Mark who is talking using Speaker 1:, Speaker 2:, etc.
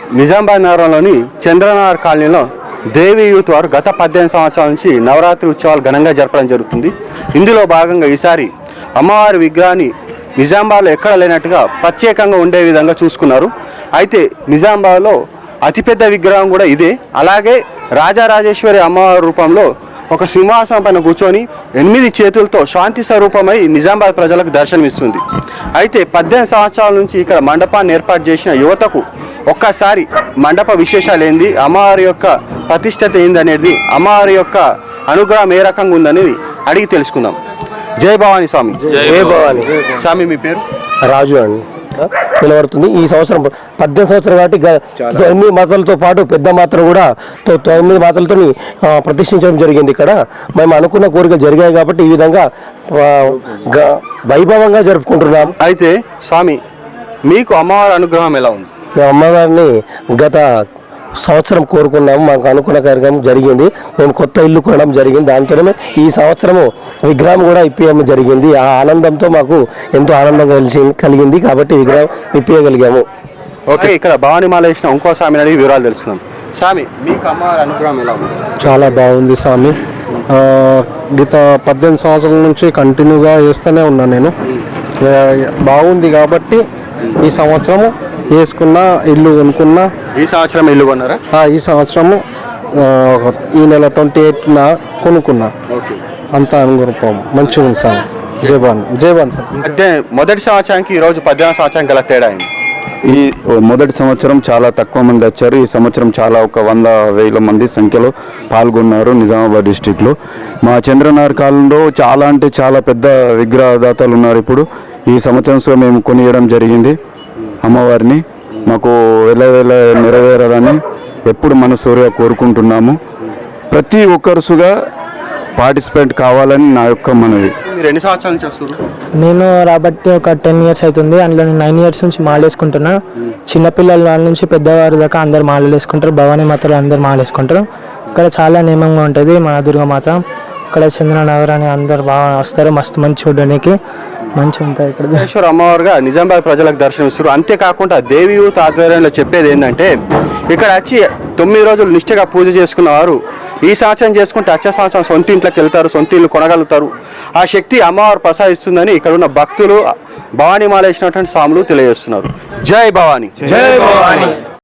Speaker 1: నిజామాబాద్ నగరంలోని చంద్రనగర్ కాలనీలో దేవి యూత్ వారు గత 18 సంవత్సరాల నుంచి నవరాత్రి ఉత్సవాలు ఘనంగా జరపడం జరుగుతుంది. ఇందులో భాగంగా ఈసారి అమ్మవారి విగ్రహాన్ని నిజామాబాద్లో ఎక్కడ లేనట్టుగా ప్రత్యేకంగా ఉండే విధంగా చూసుకున్నారు. అయితే నిజామాబాద్లో అతిపెద్ద విగ్రహం కూడా ఇదే. అలాగే రాజరాజేశ్వరి అమ్మవారి రూపంలో ఒక సింహాసనం పైన కూర్చొని 8 చేతులతో శాంతి స్వరూపమై నిజామాబాద్ ప్రజలకు దర్శనమిస్తుంది. అయితే 18 సంవత్సరాల నుంచి ఇక్కడ మండపాన్ని ఏర్పాటు చేసిన యువతకు ఒక్కసారి మండప విశేషాలు ఏంది, అమ్మవారి యొక్క ప్రతిష్టత ఏంది అనేది, అమ్మవారి యొక్క అనుగ్రహం ఏ రకంగా ఉందనేది అడిగి తెలుసుకుందాం. జై భవానీ స్వామి.
Speaker 2: జై భవానీ.
Speaker 1: స్వామి మీ పేరు?
Speaker 2: రాజు అండి నిలబడుతుంది. ఈ సంవత్సరం 18 సంవత్సరం కాబట్టి 9 మాతలతో పాటు పెద్ద మాత్రం కూడా 9 మాతలతో ప్రతిష్ఠించడం జరిగింది. ఇక్కడ మేము అనుకున్న కోరికలు జరిగాయి కాబట్టి ఈ విధంగా వైభవంగా జరుపుకుంటున్నాం.
Speaker 1: అయితే స్వామి మీకు అమ్మవారి అనుగ్రహం ఎలా ఉంది?
Speaker 2: మేము అమ్మవారిని గత సంవత్సరం కోరుకున్నాము, మాకు అనుకున్న కార్యక్రమం జరిగింది. మేము కొత్త ఇల్లు కొనడం జరిగింది. దాంతోనే ఈ సంవత్సరము విగ్రహం కూడా ఇప్పించడం జరిగింది. ఆ ఆనందంతో మాకు ఎంతో ఆనందం కలిగింది కాబట్టి విగ్రహం ఇప్పించగలిగాము.
Speaker 1: ఓకే, ఇక్కడ భవానీ మాల వేసిన ఇంకో స్వామిని అడిగి వివరాలు తెలుసుకుందాం. స్వామి మీకు అమ్మవారి అనుగ్రహం ఎలా ఉంది?
Speaker 3: చాలా బాగుంది స్వామి. గత 18 సంవత్సరాల నుంచి కంటిన్యూగా వేస్తూనే ఉన్నాను నేను. బాగుంది కాబట్టి ఈ సంవత్సరము వేసుకున్న ఇల్లు కొనుక్కున్నా.
Speaker 1: ఈ సంవత్సరం ఇల్లు కొన్నారా?
Speaker 3: ఈ సంవత్సరము ఈ నెల 28న కొనుక్కున్నా. అంతా అనుగుణం మంచిగా ఉంది సార్. జయబాన్ సార్.
Speaker 1: అంటే మొదటి సంవత్సరానికి ఈరోజు 18 సంవత్సరానికి గల తేడా అయింది.
Speaker 4: ఈ మొదటి సంవత్సరం చాలా తక్కువ మంది వచ్చారు. ఈ సంవత్సరం చాలా ఒక 100,000 మంది సంఖ్యలో పాల్గొన్నారు నిజామాబాద్ డిస్టిక్లో. మా చంద్రనగర్ కాలంలో చాలా అంటే చాలా పెద్ద విగ్రహదాతలు ఉన్నారు. ఇప్పుడు ఈ సంవత్సరం మేము కొనియడం జరిగింది అమ్మవారిని. మాకు వేల నెరవేరాలని ఎప్పుడు మనసూరిగా కోరుకుంటున్నాము. ప్రతి ఒక్కరుసుగా పార్టిసిపేట్ కావాలని నా యొక్క మనవి.
Speaker 1: మీరు ఎన్ని సంవత్సరాల నుంచి వస్తారు?
Speaker 5: నేను రాబట్టి ఒక 10 ఇయర్స్ అవుతుంది. అందులో నేను 9 ఇయర్స్ నుంచి మాల వేసుకుంటున్నా. చిన్నపిల్లల వాళ్ళ నుంచి పెద్దవారి దాకా అందరు మాలలు వేసుకుంటారు. భవానీ మాతలు అందరు మాల వేసుకుంటారు. ఇక్కడ చాలా నియమంగా ఉంటుంది మా దుర్గామాత. ఇక్కడ చంద్రనగర్ అని అందరు బాగా వస్తారు. మస్తు మంచి చూడడానికి మంచిగా ఉంటుంది. ఇక్కడ
Speaker 1: ఈశ్వర అమ్మవారుగా నిజామాబాద్ ప్రజలకు దర్శనమిస్తారు. అంతేకాకుండా దేవి యూత్ ఆధ్వర్యంలో చెప్పేది ఏంటంటే ఇక్కడ వచ్చి 9 రోజులు నిష్ఠగా పూజ చేసుకున్న వారు ఈ సంవత్సరం చేసుకుంటే వచ్చే సంవత్సరం సొంత ఇంట్లోకి వెళ్తారు, సొంత ఇల్లు కొనగలుగుతారు. ఆ శక్తి అమ్మవారు ప్రసాదిస్తుందని ఇక్కడ ఉన్న భక్తులు, భవానీ మాల వేసినటువంటి స్వాములు తెలియజేస్తున్నారు. జై భవానీ.
Speaker 2: జై భవానీ.